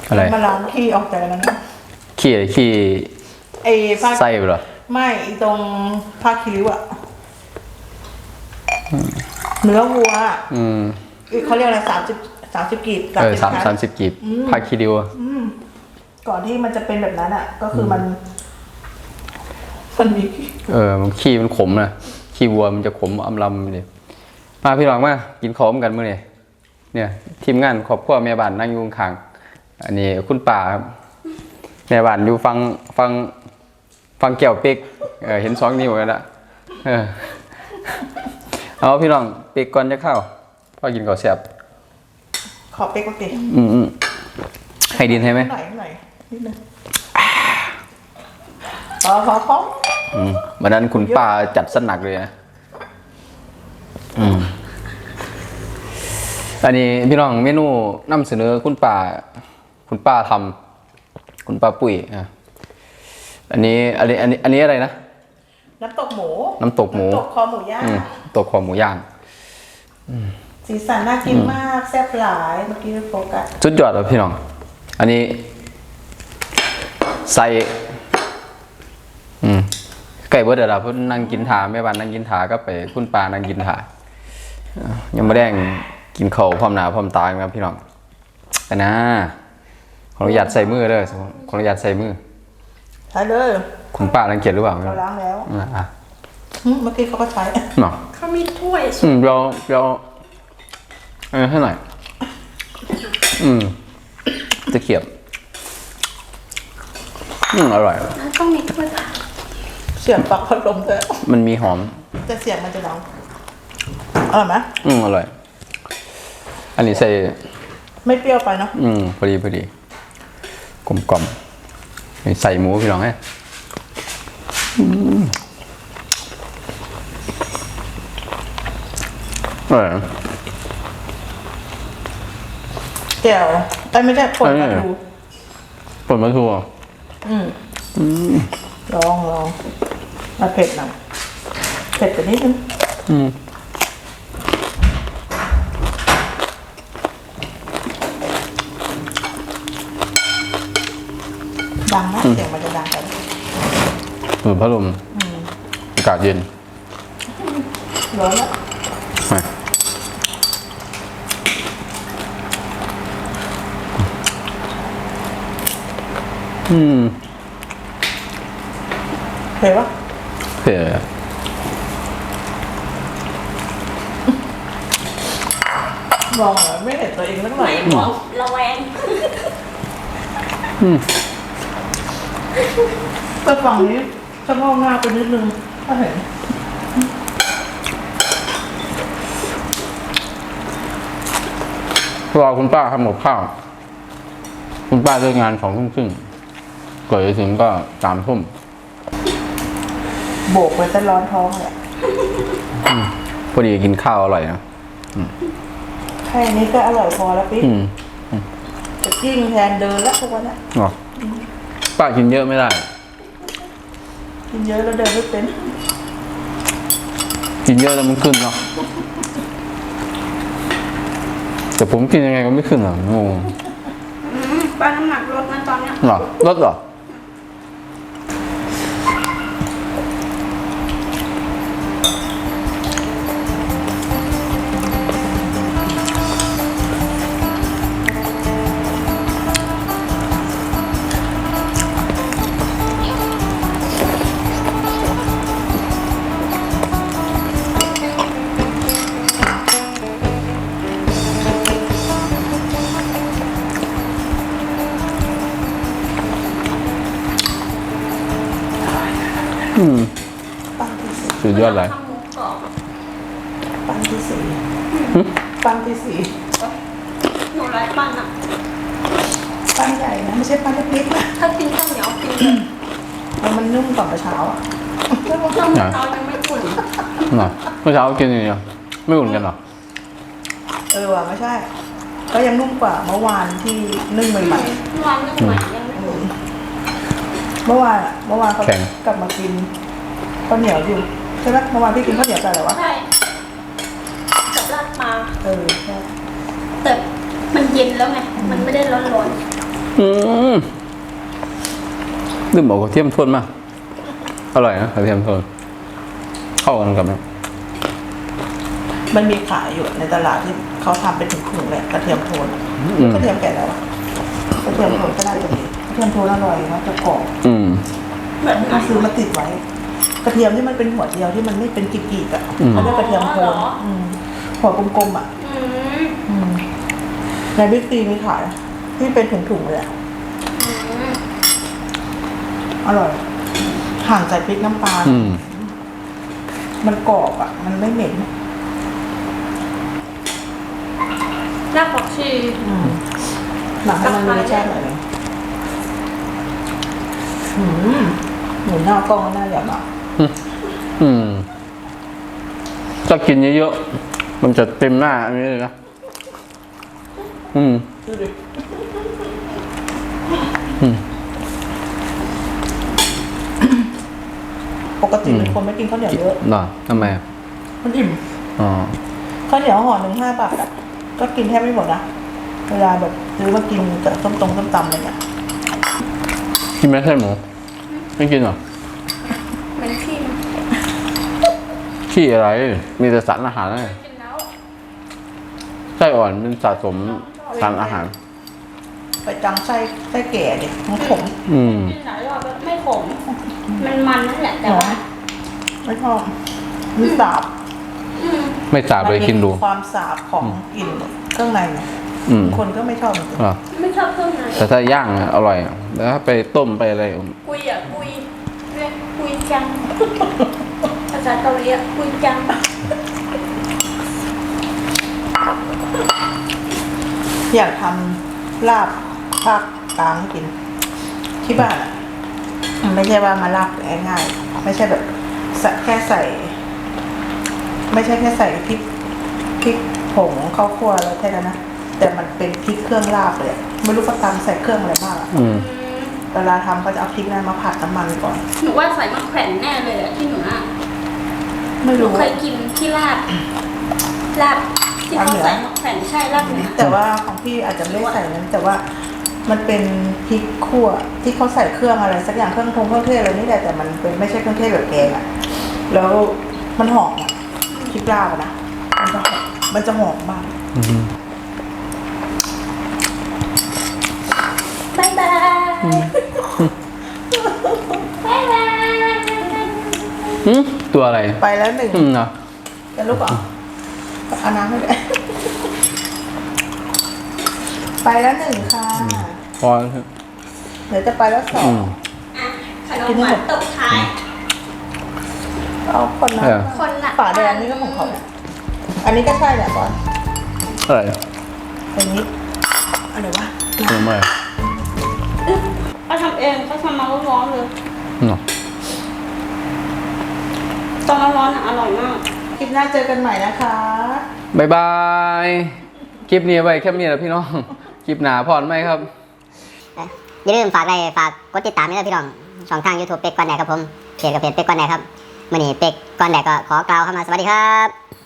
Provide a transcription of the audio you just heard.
อะไรมาล้างขี้ออกจากนั้นนะขี้ไอ้ผ้าไส้ไปเหรอไม่ตรงผ้าคีริ้วอะเนื้อวัวเขาเรียกอะไร30 กีบ 30 กีบผ้าคีริ้วก่อนที่มันจะเป็นแบบนั้นอ่ะ ก็คือมันมีมันขี้มันขมนะขี้วัวมันจะขมอำลำเลยมาพี่น้องมากินข้าวกันมื้อนี้เนี่ยทีมงานครอบครัวแม่บ้านนั่งอยู่ข้างอันนี้คุณป่าครับแม่บ้านอยู่ฟังแก้วเป๊กเห็น2 นิ้วกันละเอาพี่น้องเป๊กก่อนจะเข้าพ่อกินข้าวแซ่บขอเป๊กก่อนดิให้ดินให้ไหมหน่อยนิดนึงพอวันนั้นคุณป้าจัดสนักเลยนะอันนี้พี่น้องเมนูนำเสนอคุณป้าทำคุณป้าปุ๋ยอันนี้อะไรนะน้ำตกหมูตกคอหมูย่างตกคอหมูย่างสีสันน่ากินมากแซ่บหลายเมื่อกี้โฟกัสสุดยอดเลยพี่น้องอันนี้ใส่ไก่เบิร์ดเดี๋ยวเพิ่นนั่งกินถาแม่บ้านนั่งกินถาก็ไปคุณป้านั่งกินถายังไม่ได้กินข้าวพร้อมหน้าพร้อมตาครับพี่น้องแต่นะขออนุญาตใส่มือเลยขออนุญาตใส่มือใช้เลยคุณป้ารังเกียจหรือเปล่าเราล้างแล้วเมื่อกี้เขาก็ใช้เนาะเขามีถ้วยเราให้หน่อยจะเขียบอร่อยต้องมีถ้วยค่ะเสียงปลั๊กพัดลมเลยมันมีหอมแต่เสียงมันจะดังอร่อยไหมอร่อยอันนี้ใส่ไม่เปรี้ยวไปเนาะพอดีกลมใส่หมูพี่น้องให้แก้วไม่ใช่ผลมาดูผลมาทูลองมาเผ็ดหน่อยเผ็ดไปนิดนึงดังมากเสียงมันจะดังไปพัดลมอากาศเย็นร้อนแล้วเผ็ดปะเผ็ดมองเหรอไม่เห็นตัวเองสักหน่อยมองระแวงแต่ฝั่งนี้จะงอกหน้าไปนิดนึงถ้าเห็นรอคุณป้าทำกับข้าวคุณป้าเลิกงาน2 ทุ่มครึ่งก่อนจะถึงก็3 ทุ่มโบกไปแต่ร้อนท้องเลยพอดีกินข้าวอร่อยนะแค่นี้ก็อร่อยพอแล้วปิ๊กจะกิ้งแทนเดินแล้วทุกวันนี้ป้ากินเยอะไม่ได้กินเยอะแล้วเดินไม่เป็นกินเยอะแล้วมันขึ้นเนาะแต่ผมกินยังไงก็ไม่ขึ้นอ่ะงงป้าน้ำหนักลดนะตอนนี้หรอลดเหรอสุดยอดเลยปั้นที่4 หนูไร้ปั้นอ่ะปั้นใหญ่นะไม่ใช่ปั้นเล็กๆนะถ้ากินข้าวเหนียวกินมันนุ่มกว่าเมื่อเช้าอ่ะเมื่อเช้ายังไม่อุ่นเมื่อเช้ากินอย่างเดียวไม่อุ่นกันหรอว่ะไม่ใช่ก็ยังนุ่มกว่าเมื่อวานที่นึ่งใหม่ๆเมื่อวานนึ่งใหม่ยังไม่อุ่นเมื่อวานเขากลับมากินข้าวเหนียวอยู่ใช่ไหมเมื่อวานพี่กินข้าวเหนียวกันเหรอวะใช่กับราดปลาใช่แต่มันเย็นแล้วไงมันไม่ได้ร้อนลืมบอกกระเทียมโทนมากอร่อยนะกระเทียมโทนเข้ากันกับนะมันมีขายอยู่ในตลาดที่เขาทำเป็นถุงๆแหละกระเทียมโทนกระเทียมแก่แล้วอะกระเทียมโทนก็น่าจะดีกระเทียมโทนอร่อยมันจะกรอบแบบไหนก็ซื้อมาติดไว้ กระเทียมที่มันเป็นหัวเดียวที่มันไม่เป็นกีบๆอ่ะเขาเรียกกระเทียมโทนหัวกลมๆอ่ะ ในบิ๊กซีมีขายที่เป็นถุงๆเลยอะอร่อย ห่างจากพริกน้ำปลามันกรอบอ่ะ มันไม่เหม็นรากผักชีหนังให้มันมีรสชาติหน่อยนึงหมูหน้ากล้องก็น่าอยากอ่ะถ้ากินเยอะๆมันจะเต็มหน้าอันนี้เลยนะดูดิปกติเป็นคนไม่กินข้าวเหนียวเยอะหรอทำไมอ่ะมันอิ่มอ๋อข้าวเหนียวห่อหนึ่ง5 บาทอ่ะ ก็กินแทบไม่หมดนะ เวลาแบบซื้อมากินกับส้มตำอะไรเงี้ยกินไหมไส้หมูไม่กินเหรอเหมือนขี้มันขี้อะไร มีแต่สารอาหารเลยกินแล้วไส้อ่อนเป็นสะสมสารอาหารไปจังไส้แก่ดิมันขมกินหลายรอบแล้วไม่ขม มันนั่นแหละแต่ว่าไม่ชอบมันสาบไม่สาบเลยกินดูมัมีความสาบของกลิ่นเครื่องในเนี่ยคนก็ไม่ชอบจริงอ่ะไม่ชอบเครื่องในแต่ถ้าย่างอะอร่อยอะแล้วถ้าไปต้มไปอะไรกุยเรียกกุยจัง ภาษาเกาหลีอะกุยจังอยากทำลาบภาคกลางให้กิน ที่บ้านอ่ะไม่ใช่ว่ามาลาบง่ายๆไม่ใช่แบบแค่ใส่ ไม่ใช่แค่ใส่พริกผงข้าวคั่วแล้วแค่นั้นนะแต่มันเป็นพริกเครื่องลาบเลยอะไม่รู้เขาตำใส่เครื่องอะไรบ้างอะเวลาทำก็จะเอาพริกนั้นมาผัดน้ำมันก่อนหนูว่าใส่มะแขวนแน่เลยอะที่หนูอะไม่หนูรู้เคยกินที่ลาบที่เขาใส่มะแขวนใช่ลาบเหนือแต่ว่าของพี่อาจจะไม่ได้ใส่นั้น แต่ว่ามันเป็นพริกขั่วที่เขาใส่เครื่องอะไรสักอย่างเครื่องเทศอะไรนี่แหละแต่มันเป็นไม่ใช่เครื่องเทศแบบแกงอะแล้วมันหอมอะพริกลาบอะนะมันจะหอมมากบ๊ายบายบ๊ายบายตัวอะไรไปแล้วหนึ่งเนาะจะลุกเหรอเอาน้ำให้ด้วยไปแล้วหนึ่งค่ะพอเดี๋ยวจะไปแล้ว2 อ่ะขนมหวานตบท้ายเอาคนละคนละฝาแดงนี่ก็ของเขาเนี่ยอันนี้ก็ใช่แหละบอลอะไรอันนี้อะไรวะทำไมเขาทำเองเขาทำมาร้อนๆเลยเนาะตอนร้อนๆอ่ะอร่อยมากคลิปหน้าเจอกันใหม่นะคะบายบาย คลิปนี้ไว้แค่นี้แหละพี่น้อง คลิปหนาพรไหมครับอย่าลืมฝากกดติดตามด้วยพี่น้องช่องทาง YouTube เป็กก่อนแดกครับผมเพจกับเพจเป็กก่อนแดกครับมื่อนี้เป็กก่อนแดกก็ขอกล่าวคำว่าสวัสดีครับ